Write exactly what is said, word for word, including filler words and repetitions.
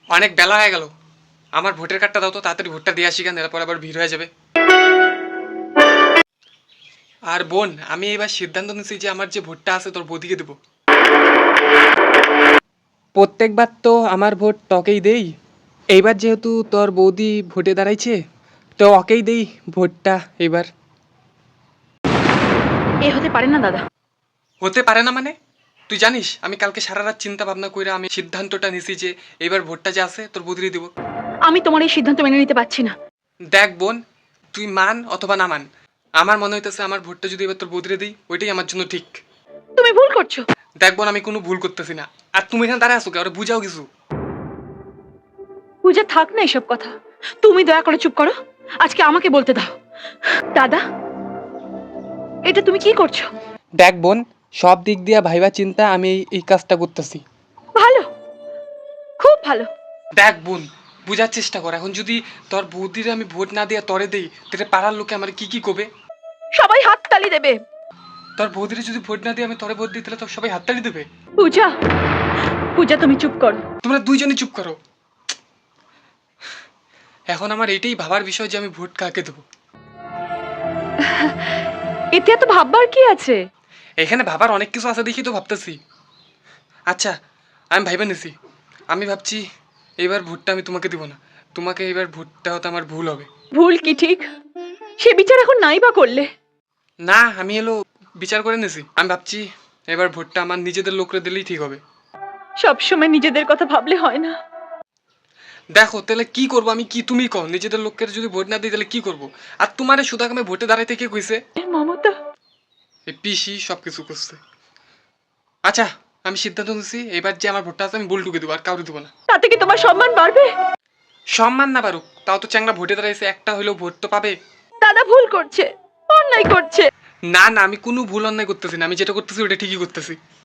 অনেক বেলা হয়ে গেল, আমার ভোটের কার্ডটা দাও তো, তাড়াতাড়ি ভোটটা দিয়ে আসি, কেন এরপর আবার ভিড় হয়ে যাবে। আর বোন, আমি এবার সিদ্ধান্ত নিয়েছি যে আমার যে ভোটটা আছে তোর বৌদিকে দেবো। প্রত্যেকবার তো আমার ভোট তোকেই দেই, এইবার যেহেতু তোর বৌদি ভোটে দাঁড়াইছে তো ওকেই দেই ভোটটা এবার। এ হতে পারে না দাদা। হতে পারে না মানে? তুই জানিস আমি কালকে সারা রাত চিন্তা ভাবনা করে আমি সিদ্ধান্তটা নিছি যে এবার ভোটটা যে আছে তোর বৌদিরই দিব। আমি তোমার এই সিদ্ধান্ত মেনে নিতে পারছি না। দেখ বোন, তুই মান অথবা না মান, আমার মনে হইতেছে আমার ভোটটা যদি এবার তোর বৌদিরে দিই ওইটাই আমার জন্য ঠিক। তুমি ভুল করছো। দেখ বোন, আমি কোনো ভুল করতেছি না, আর তুমি এখানে দাঁড়ায় আসো কে? ওরা বুঝাও কিছু। পূজা, থাক না এসব কথা। তুমি দয়া করে চুপ করো। আজকে আমাকে বলতে দাও। দাদা, এটা তুমি কি করছো? দেখ বোন, সব দিক দিয়া ভাইবা চিন্তা আমি এই- এই কাজটা করতেছি। ভালো, খুব ভালো। দেখ বোন, বুঝার চেষ্টা কর, এখন যদি তোর বৌদিরে আমি ভোট না দিয়া তরে দেই তাহলে পাড়ার লোকে আমার কি কি কবে? সবাই হাত তালি দেবে। তোর বৌদিরে যদি ভোট না দিয়ে আমি তরে ভোট দিই তাহলে তো সবাই হাততালি দেবে। পূজা, পূজা তুমি চুপ করো। তোমরা দুইজনই চুপ করো। এখন আমার এটাই ভাবার বিষয় যে আমি ভোট কাকে দেবো। এতে এত ভাববার কি আছে? এখানে ভাবার অনেক কিছু আছে দেখি তো ভাবতেছি। আচ্ছা, আমি ভাইবা নিছি, আমি ভাবছি এবার ভোটটা আমি তোমাকে দিব না, তোমাকে এবার ভোট দেওয়াতে আমার ভুল হবে। ভুল কি ঠিক সে বিচার এখন নাই বা করলে? না, আমি এলো বিচার করে নিছি, আমি ভাবছি এবার ভোটটা আমার নিজেদের লোকরে দিলেই ঠিক হবে। সবসময় নিজেদের কথা ভাবলে হয় না। দেখো তাহলে কি করবো আমি, কি তুমি কও, নিজেদের লোকের যদি ভোট না দিই তাহলে কি করবো? আর তোমারে সুদাকামে ভোটে দাঁড়াইতে কে কইছে? মমতা। এই পিসি সব কিছু করছে। আচ্ছা, আমি সিদ্ধান্ত নিছি এবার যে আমার ভোটটা আছে আমি বুলটুকে দেবো, আর কাউকে দেবো না। তাতে কি তোমার সম্মান বাড়বে? সম্মান না পারুক, তাও তো চ্যাংরা ভোটে দাঁড়াইছে, একটা হইলেও ভোট তো পাবে। দাদা ভুল করছে, অন্যায় করছে। না না, আমি কোনো ভুল অন্যায় করতেছি না, আমি যেটা করতেছি ওটা ঠিকই করতেছি।